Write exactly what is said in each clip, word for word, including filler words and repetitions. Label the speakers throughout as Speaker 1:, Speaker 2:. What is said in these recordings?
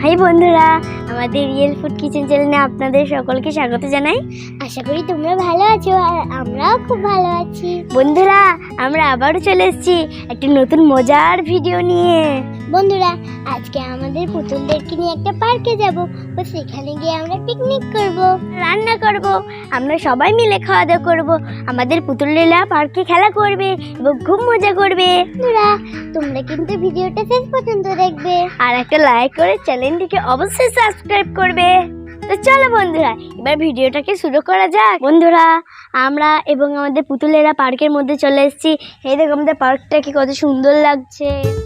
Speaker 1: High বন্ধুরা, আমাদের real food kitchen চ্যানেলে আপনাদের সকলকে স্বাগত জানাই।
Speaker 2: আশা করি তোমরা ভালো আছো আর আমরাও খুব ভালো আছি।
Speaker 1: বন্ধুরা, আমরা আবারও চলে এসেছি একটা নতুন মজার ভিডিও নিয়ে।
Speaker 2: বন্ধুরা, আজকে আমাদের পুতুলদেরকে নিয়ে একটা পার্কে যাব, ও সেখানে গিয়ে আমরা পিকনিক করব,
Speaker 1: রান্না করব, আমরা সবাই মিলে খাওয়া দাওয়া করব, আমাদের পুতুলেরা পার্কে খেলা করবে এবং খুব মজা করবে।
Speaker 2: বন্ধুরা, তোমরা কিন্তু ভিডিওটা শেষ পর্যন্ত দেখবে
Speaker 1: আর একটা লাইক করে চ্যানেলটিকে অবশ্যই সাবস্ক্রাইব করবে। তো চলো বন্ধুরা, এবার ভিডিওটাকে শুরু করা যাক। বন্ধুরা, আমরা এবং আমাদের পুতুলেরা পার্কের মধ্যে চলে এসেছি। এই দেখো আমাদের পার্কটাকে কত সুন্দর লাগছে।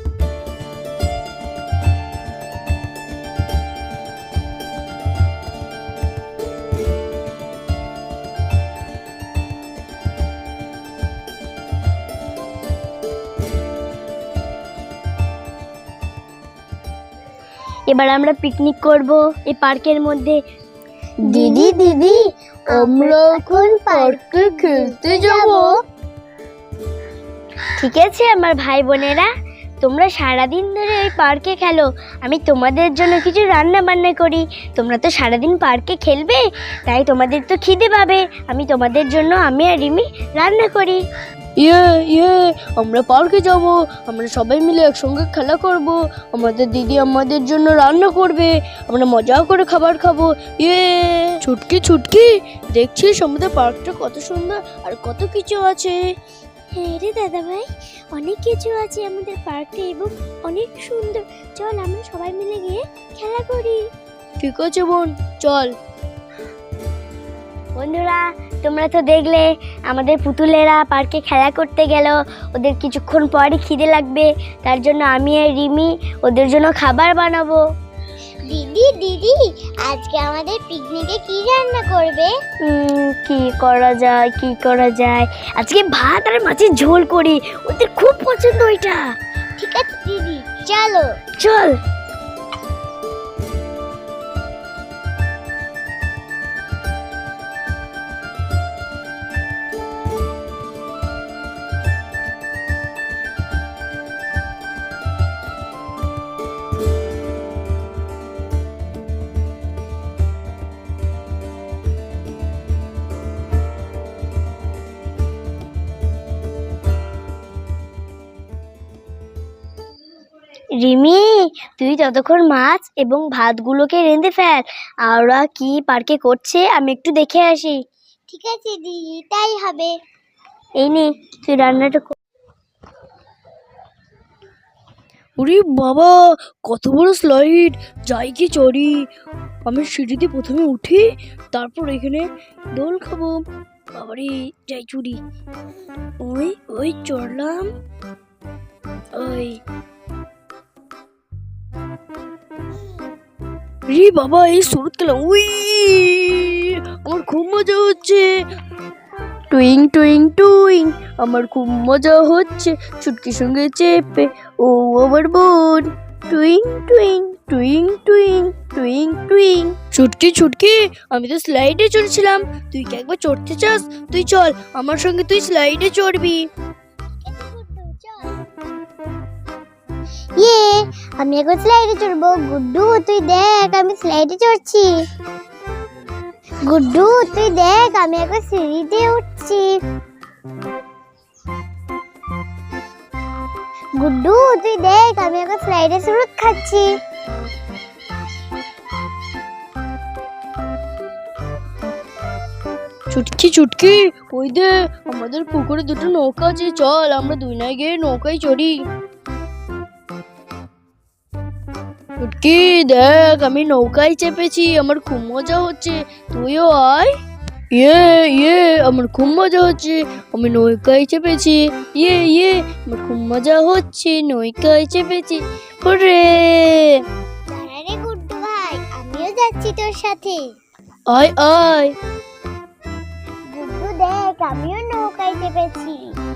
Speaker 1: এবার আমরা পিকনিক করব এই পার্কের মধ্যে।
Speaker 2: দিদি দিদি আমরা এখন পার্কে খেলতে যাব।
Speaker 1: ঠিক আছে আমার ভাই বোনেরা, তোমরা সারাদিন ধরে এই পার্কে খেলো, আমি তোমাদের জন্য কিছু রান্না বান্না করি। তোমরা তো সারাদিন পার্কে খেলবে, তাই তোমাদের তো খিদে পাবে। আমি তোমাদের জন্য আমি আর রিমি রান্না করি।
Speaker 3: ইয়ে ইয়ে আমরা পার্কে যাব, আমরা সবাই মিলে একসঙ্গে খেলা করব, আমাদের দিদি আমাদের জন্য রান্না করবে, আমরা মজা করে খাবার খাবো। ইয়ে ছুটকি ছুটকি, দেখছিস আমাদের পার্কটা কত সুন্দর আর কত কিছু আছে।
Speaker 2: হ্যাঁ রে দাদা ভাই, অনেক কিছু আছে আমাদের পার্কে এবং অনেক সুন্দর। চল আমরা সবাই মিলে গিয়ে খেলা করি।
Speaker 3: ঠিক আছে বোন, চল।
Speaker 1: বন্ধুরা, তোমরা তো দেখলে আমাদের পুতুলেরা পার্কে খেলা করতে গেল। ওদের কিছুক্ষণ পরই খিদে লাগবে, তার জন্য আমি আর রিমি ওদের জন্য খাবার বানাবো।
Speaker 2: দিদি দিদি আজকে আমাদের পিকনিকে কি রান্না করবে?
Speaker 1: উম, কি করা যায় কি করা যায় আজকে ভাত আর মাছের ঝোল করি, ওদের খুব পছন্দ ওইটা।
Speaker 2: ঠিক আছে দিদি, চলো।
Speaker 1: চল। রিমি, তুই ততক্ষণ মাছ এবং ভাতগুলোকে রেঁধে ফেল। আর ওরা কি পার্কে করছে আমি একটু দেখে আসি।
Speaker 2: ঠিক আছে দিদি, তাই হবে।
Speaker 1: এই নে, তুই রান্নাটা কর।
Speaker 3: ওরে বাবা, কত বড় স্লাইড! যাই কি চড়ি, আমি সিঁড়িতে প্রথমে উঠি, তারপর এখানে দোল খাবো। বাবারে, যাই চুরি। ওই ওই চড়লাম। ওই রে বাবা, এই শুরু খেলাম। উই, আমার খুব মজা হচ্ছে। টুইং টুইং টুইং, আমার খুব মজা হচ্ছে ছুটকির সঙ্গে চেপে। ও আমার বোন। টুইং টুইং টুইং টুইং টুইং টুইং। ছুটকি ছুটকি, আমি তো স্লাইডে চড়ছিলাম, তুই কি একবার চড়তে চাস? তুই চল আমার সঙ্গে, তুই স্লাইডে চড়বি।
Speaker 2: ইয়ে, আমি এখন স্লাইডে চড়বো। গুড্ডু তুই দেখ, আমি স্লাইডে চড়ছি। গুড্ডু তুই দেখ, আমি এখন সিঁড়িতে উঠছি। গুড্ডু তুই দেখ, আমি এখন স্লাইডে সুরুত খাচ্ছি।
Speaker 3: ছুটকি ছুটকি, ওই দে আমাদের পুকুরে দুটো নৌকা আছে, চল আমরা দুই নাই গিয়ে নৌকায় চড়ি। ছুটকি দেখ, আমি নৌকায় চেপেছি, আমার খুব মজা হচ্ছে, তুইও আয়। ইয়ে ইয়ে, আমার খুব মজা হচ্ছে, আমি নৌকায় চেপেছি। ইয়ে ইয়ে, আমার খুব মজা হচ্ছে, নৌকায় চেপেছি। ওরে
Speaker 2: দাঁড়া রে গুড্ডু ভাই, আমিও যাচ্ছি তোর সাথে।
Speaker 3: আয় আয়।
Speaker 2: গুড্ডু দেখ, আমিও নৌকায় চেপেছি।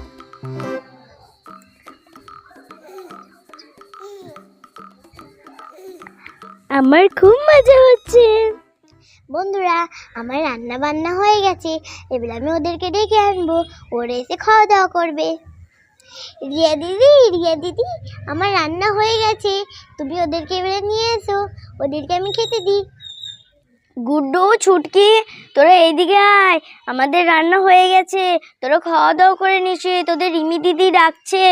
Speaker 1: আমার খুব মজা হচ্ছে।
Speaker 2: বন্ধুরা, আমার রান্না বান্না হয়ে গেছে, এবার আমি ওদেরকে ডেকে আনবো, ওরা এসে খাওয়া দাওয়া করবে। রিয়া দিদি রিয়া দিদি আমার রান্না হয়ে গেছে, তুমি ওদেরকে এবারে নিয়ে এসো, ওদেরকে আমি খেতে দিই।
Speaker 1: গুড্ডু, ছুটকি, তোরা এইদিকে আয়, আমাদের রান্না হয়ে গেছে, তোরা খাওয়া দাওয়া করে নিসে, তোদের রিমি দিদি ডাকছে।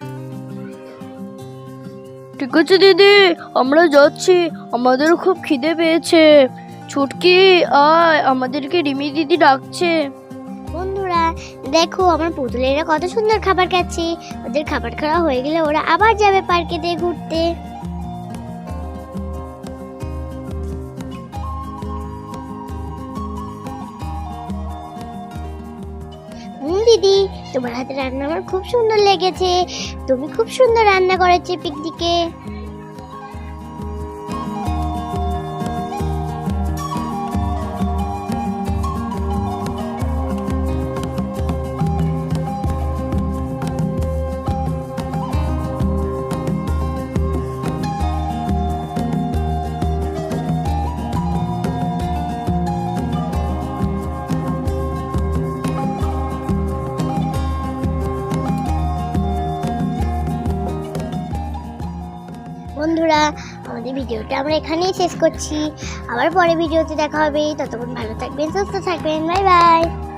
Speaker 3: ঠিক আছে দিদি, আমরা যাচ্ছি, আমাদেরও খুব খিদে পেয়েছে। ছুটকি আয়, আমাদেরকে রিমি দিদি ডাকছে।
Speaker 2: বন্ধুরা দেখো আমার পুতুলেরা কত সুন্দর খাবার খাচ্ছে। ওদের খাবার খাওয়া হয়ে গেলে ওরা আবার যাবে পার্কেতে ঘুরতে। হুম দিদি, তোমার হাতে রান্না আমার খুব সুন্দর লেগেছে। তুমি খুব সুন্দর রান্না করেছো পিকনিকে। বন্ধুরা আমাদের ভিডিওটা আমরা এখানেই শেষ করছি। আবার পরে ভিডিওতে দেখা হবে। ততক্ষণ ভালো থাকবেন, সুস্থ থাকবেন। Bye by.